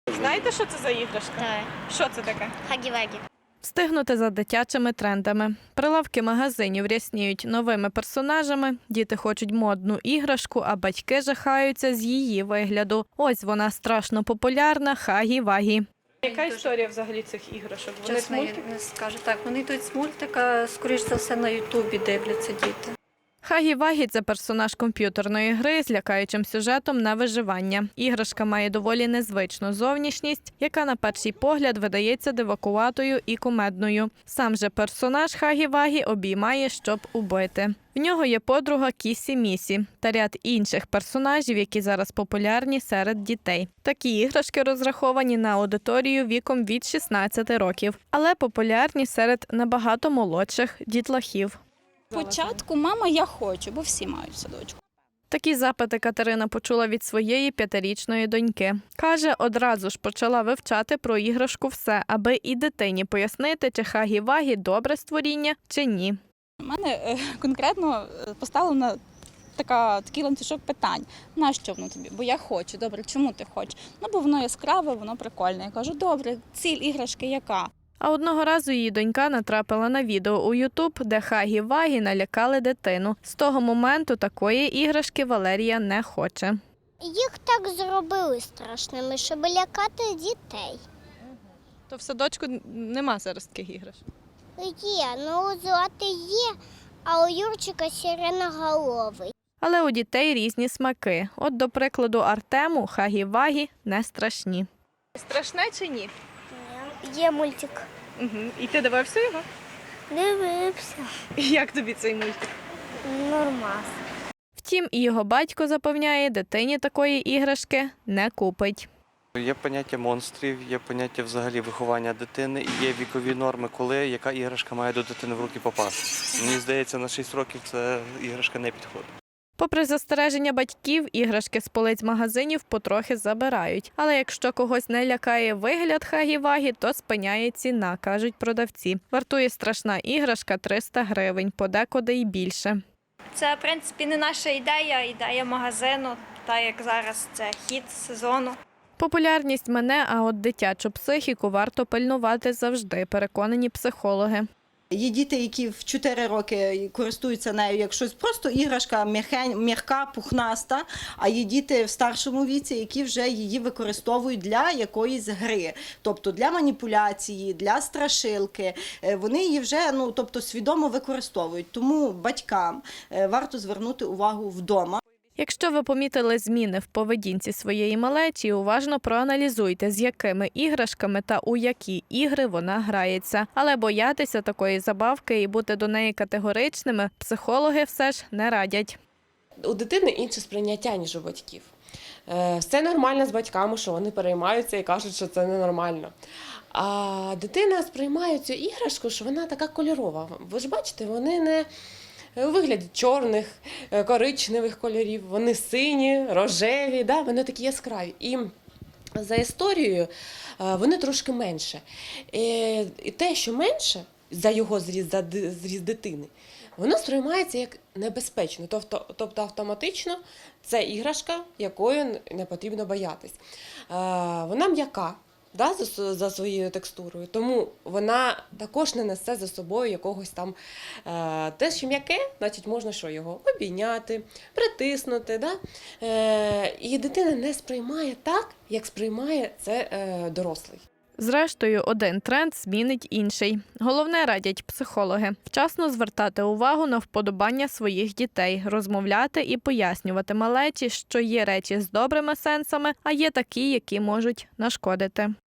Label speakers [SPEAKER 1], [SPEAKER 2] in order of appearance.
[SPEAKER 1] Знаєте, що це за іграшка?
[SPEAKER 2] Так.
[SPEAKER 1] Що це таке?
[SPEAKER 2] Хагі-вагі.
[SPEAKER 3] Встигнути за дитячими трендами. Прилавки магазинів рясніють новими персонажами, діти хочуть модну іграшку, а батьки жахаються з її вигляду. Ось вона страшно популярна – Хагі-Вагі.
[SPEAKER 1] Яка історія взагалі цих іграшок? Вони з
[SPEAKER 4] Чесно, я
[SPEAKER 1] мультика?
[SPEAKER 4] не скажу. Так, вони йдуть з мультика, скоріш за все, на Ютубі дивляться діти.
[SPEAKER 3] Хагі-Вагі – це персонаж комп'ютерної гри з лякаючим сюжетом на виживання. Іграшка має доволі незвичну зовнішність, яка на перший погляд видається дивакуватою і кумедною. Сам же персонаж Хагі-Вагі обіймає, щоб убити. В нього є подруга Кісі-Місі та ряд інших персонажів, які зараз популярні серед дітей. Такі іграшки розраховані на аудиторію віком від 16 років, але популярні серед набагато молодших дітлахів.
[SPEAKER 5] Спочатку «мама, я хочу», бо всі мають в садочку.
[SPEAKER 3] Такі запити Катерина почула від своєї 5-річної доньки. Каже, одразу ж почала вивчати про іграшку все, аби і дитині пояснити, чи Хагі-Вагі – добре створіння, чи ні.
[SPEAKER 5] У мене конкретно поставлено такий ланцюжок питань. Нащо воно тобі? Бо я хочу. Добре, чому ти хочеш? Ну, бо воно яскраве, воно прикольне. Я кажу, добре, ціль іграшки яка?
[SPEAKER 3] А одного разу її донька натрапила на відео у Ютуб, де Хагі-Вагі налякали дитину. З того моменту такої іграшки Валерія не хоче.
[SPEAKER 2] Їх так зробили страшними, щоб лякати дітей.
[SPEAKER 3] То в садочку нема зараз таких іграшок?
[SPEAKER 2] Є, ну у Злати є, а у Юрчика сиреноголовий.
[SPEAKER 3] Але у дітей різні смаки. От, до прикладу, Артему Хагі-Вагі не страшні.
[SPEAKER 1] Страшне чи ні?
[SPEAKER 2] Є мультик.
[SPEAKER 1] Угу. І ти дивився його?
[SPEAKER 2] Дивився.
[SPEAKER 1] І як тобі цей мультик?
[SPEAKER 2] Нормально.
[SPEAKER 3] Втім, і його батько запевняє, дитині такої іграшки не купить.
[SPEAKER 6] Є поняття монстрів, є поняття взагалі виховання дитини, і є вікові норми, коли яка іграшка має до дитини в руки попасти. Мені здається, на 6 років ця іграшка не підходить.
[SPEAKER 3] Попри застереження батьків, іграшки з полиць магазинів потрохи забирають. Але якщо когось не лякає вигляд Хагі-Вагі, то спиняє ціна, кажуть продавці. Вартує страшна іграшка 300 гривень, подекуди й більше.
[SPEAKER 7] Це, в принципі, не наша ідея, ідея магазину, так як зараз це хід сезону.
[SPEAKER 3] Популярність мине, а от дитячу психіку варто пильнувати завжди, переконані психологи.
[SPEAKER 8] Є діти, які в 4 роки користуються нею як щось просто іграшка, м'яка, пухнаста, а є діти в старшому віці, які вже її використовують для якоїсь гри, тобто для маніпуляції, для страшилки. Вони її вже свідомо використовують, тому батькам варто звернути увагу вдома.
[SPEAKER 3] Якщо ви помітили зміни в поведінці своєї малечі, уважно проаналізуйте, з якими іграшками та у які ігри вона грається. Але боятися такої забавки і бути до неї категоричними психологи все ж не радять.
[SPEAKER 9] У дитини інше сприйняття, ніж у батьків. Все нормально з батьками, що вони переймаються і кажуть, що це ненормально. А дитина сприймає цю іграшку, що вона така кольорова. Ви ж бачите, вони не у вигляді чорних, коричневих кольорів, вони сині, рожеві, да? Вони такі яскраві. І за історією вони трошки менше. І те, що менше, за його зріст, за зріст дитини, воно сприймається як небезпечно. Тобто автоматично це іграшка, якою не потрібно боятись. Вона м'яка. За своєю текстурою, тому вона також не несе за собою якогось там те, що м'яке, значить можна його обійняти, притиснути. Да? І дитина не сприймає так, як сприймає це дорослий.
[SPEAKER 3] Зрештою, один тренд змінить інший. Головне, радять психологи, вчасно звертати увагу на вподобання своїх дітей, розмовляти і пояснювати малечі, що є речі з добрими сенсами, а є такі, які можуть нашкодити.